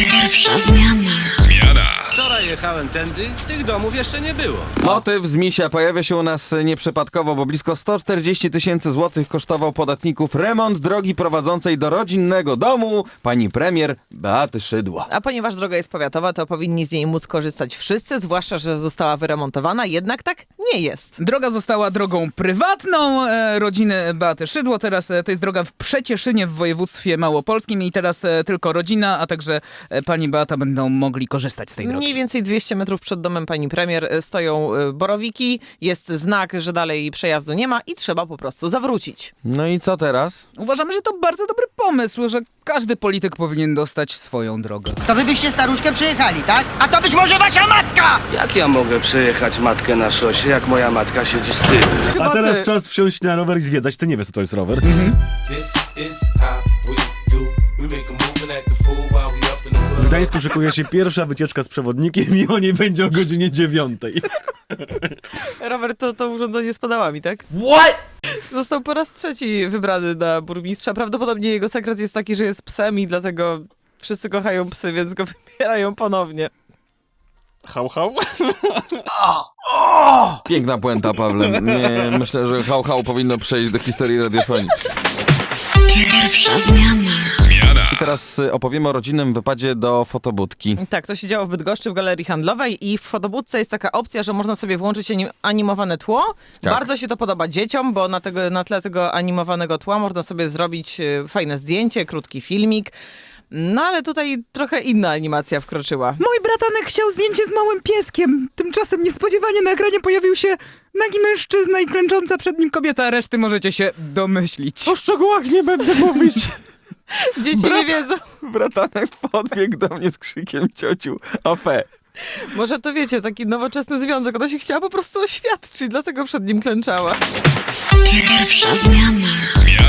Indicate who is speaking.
Speaker 1: Pierwsza zmiana.
Speaker 2: Wczoraj jechałem tędy, tych domów jeszcze nie było.
Speaker 3: Motyw z Misia pojawia się u nas nieprzypadkowo, bo blisko 140 000 złotych kosztował podatników remont drogi prowadzącej do rodzinnego domu pani premier Beaty Szydło.
Speaker 4: A ponieważ droga jest powiatowa, to powinni z niej móc korzystać wszyscy, zwłaszcza, że została wyremontowana, jednak tak nie jest.
Speaker 5: Droga została drogą prywatną rodziny Beaty Szydło. Teraz to jest droga w Przecieszynie w województwie małopolskim i teraz tylko rodzina, a także pani Beata będą mogli korzystać z tej drogi.
Speaker 4: Mniej więcej 200 metrów przed domem pani premier stoją borowiki, jest znak, że dalej przejazdu nie ma i trzeba po prostu zawrócić.
Speaker 3: No i co teraz?
Speaker 5: Uważamy, że to bardzo dobry pomysł, że każdy polityk powinien dostać swoją drogę.
Speaker 6: To wy byście staruszkę przejechali, tak? A to być może wasza matka!
Speaker 2: Jak ja mogę przejechać matkę na szosie, jak moja matka siedzi z tyłu?
Speaker 3: Chyba
Speaker 7: A teraz
Speaker 3: ty.
Speaker 7: czas wsiąść na rower i zwiedzać. Ty nie wiesz, co to jest rower.
Speaker 8: This is how we do. We make a move and act a fool while we up in the club.
Speaker 7: W Gdańsku szykuje się pierwsza wycieczka z przewodnikiem i o niej będzie o godzinie 9.
Speaker 4: Robert, to urządzenie z pedałami, tak? What? Został po raz trzeci wybrany na burmistrza. Prawdopodobnie jego sekret jest taki, że jest psem i dlatego wszyscy kochają psy, więc go wybierają ponownie.
Speaker 7: Hał, hał.
Speaker 3: Piękna puenta, Pawle. Nie, myślę, że hał powinno przejść do historii radiofonii.
Speaker 1: Pierwsza zmiana.
Speaker 3: I teraz opowiemy o rodzinnym wypadzie do fotobudki.
Speaker 4: Tak, to się działo w Bydgoszczy w galerii handlowej i w fotobudce jest taka opcja, że można sobie włączyć animowane tło.
Speaker 3: Tak.
Speaker 4: Bardzo się to podoba dzieciom, bo na tle tego animowanego tła można sobie zrobić fajne zdjęcie, krótki filmik. No ale tutaj trochę inna animacja wkroczyła.
Speaker 5: Mój bratanek chciał zdjęcie z małym pieskiem. Tymczasem niespodziewanie na ekranie pojawił się nagi mężczyzna i klęcząca przed nim kobieta, a reszty możecie się domyślić.
Speaker 3: O szczegółach nie będę mówić.
Speaker 4: Dzieci nie wiedzą.
Speaker 3: Bratanek podbiegł do mnie z krzykiem ciociu Ofe.
Speaker 4: Może to wiecie, taki nowoczesny związek. Ona się chciała po prostu oświadczyć, dlatego przed nim klęczała.
Speaker 1: Pierwsza zmiana.